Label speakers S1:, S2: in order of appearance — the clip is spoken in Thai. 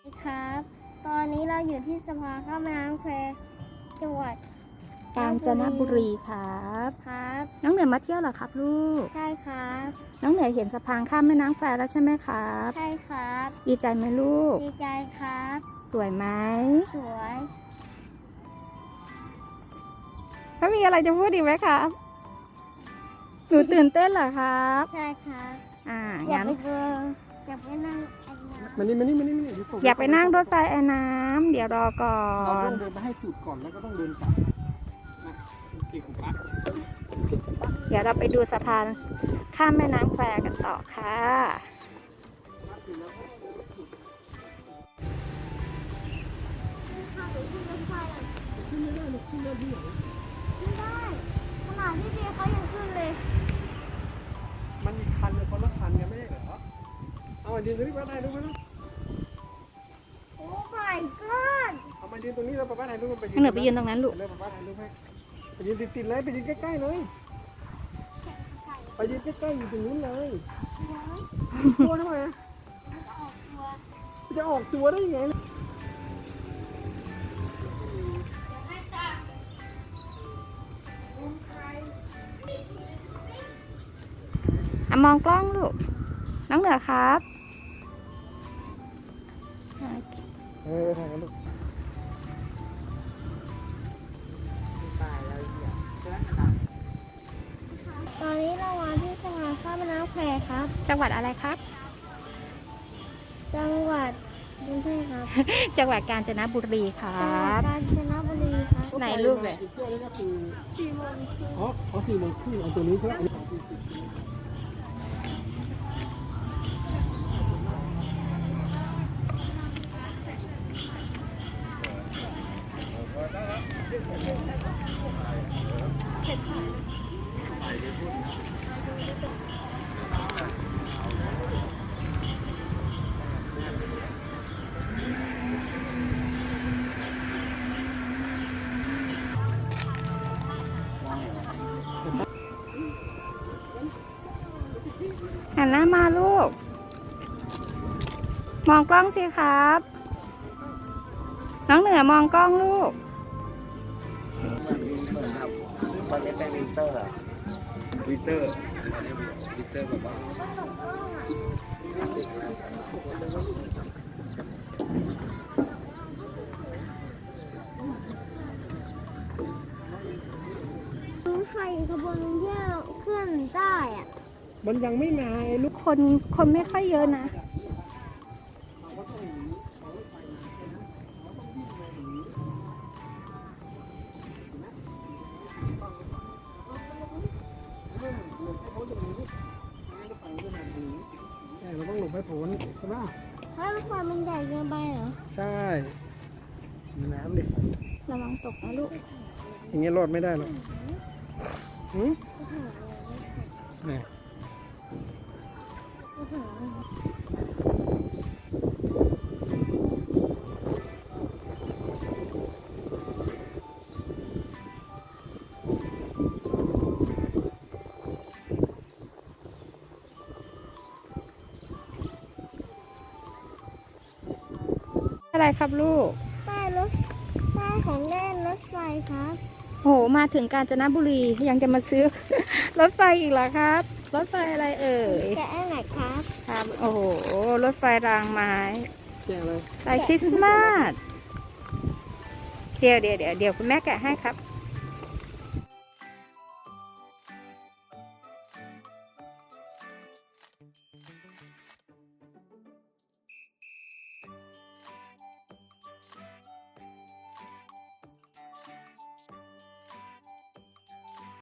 S1: ครับ ตอนนี้เราอยู่ที่สะพานข้ามแม่น้ำแควจังหวัด
S2: กาญจนบุรีครับ
S1: ครับ
S2: น้องเหนือมาเที่ยวเหรอครับลูก
S1: ใช่ครับ
S2: น้องเหนือเห็นสะพานข้ามแม่น้ำแควแล้วใช่ไหมครับ
S1: ใช่ครับ
S2: ดีใจไหมลูก
S1: ดีใจครับ
S2: สวยไหม
S1: สวย
S2: แล้วมีอะไรจะพูดอีกไหมครับหนูตื่นเต้นเหรอครับ
S1: ใช่ครับ อยาก
S2: งั้น
S1: ไปดูอยากไปนั่งไอ้น้ำ
S3: มานี่
S2: อยากไปนั่งรถไฟไอ้น้ำเดี๋ยวรอก่อ
S3: เราต้อน งเดินไปให้สุดก่อนแล้วก็ต้องเดินกลับนะโอเคคุณป้า
S2: เดี๋ยวเราไปดูสะพานข้ามแม่น้ำแควกันต่อค่ะ
S1: ไม่ได้ขนาดที่เบียร์เขายังขึ้นเลย
S3: มันมีคันเลยคนละคันไงไม่ใช่เหรอเอามายืนตรงนี้ป้าถ่ายรูปไหมล่ะ
S1: โอ้ my god
S3: เอามายืนตรงนี้แล้วป้าถ่ายรูปไป
S2: น้องเหนือไปยืนตรงนั้นลูก
S3: เลยป้าถ่ายรูปให้ไปยืนติดๆเลยไปยืนใกล้ๆเลยไปยืนใกล้ๆอยู่ตรงนู้นเลยตัวทำไมอะจะออกตัวได้ยังไง
S2: มองกล้องลูก น้องเหนือครับ
S3: ถ่ายกันลูกตายแล้วเนี่ย
S1: ตอนนี้เรามาที่สะพานข้ามแม่น้ำแควครับ
S2: จังหวัดอะไรครับ
S1: จังหวัดกรุงเทพครับ
S2: จังหวัดกาญจนบุรีครั
S1: จังหวัด
S2: บ
S1: กาญจนบุรีครับ
S2: ไหนลูกเลย
S3: อีกเที่ยวนี้ก็คือ
S1: 4 โมงครึ่ง
S3: อ๋อ4 โมงครึ่งเอาตัวนี้ใช่ไหม
S2: หันหน้ามาลูก มองกล้องสิครับ น้องเหนือมองกล้องลูก
S3: มันไม่เป็นวินเตอร์อะวินเตอร์แบบว่า
S1: รถไฟขบวนเที่ยวเคลื่อนได้อะ
S3: มันยังไม่มาไอ้ลูก
S2: คนไม่ค่อยเยอะนะ
S3: ใช่เราต้องหลบให้พ้นใช่ไหม
S1: ถ้ารถไฟมันใหญ่เกินไปเหรอ
S3: ใช่มีน้ำดิ
S2: ระวังตกนะลูก
S3: อย่างเงี้ยรอดไม่ได้หรอกหืมนี่
S2: อะไรครับลูก
S1: ป้ายของเล่นรถไฟครับ
S2: โห มาถึงกาญจนบุรียังจะมาซื้อ รถไฟอีกเหรอครับ รถไฟอะไรเอ่ย
S1: แกะอันไหนครับ
S2: ครับ โอ้โห รถไฟรางไม้
S3: แกะเลย
S2: ไฟคริสต์มาส เดี๋ยวคุณแม่แกะให้ครับ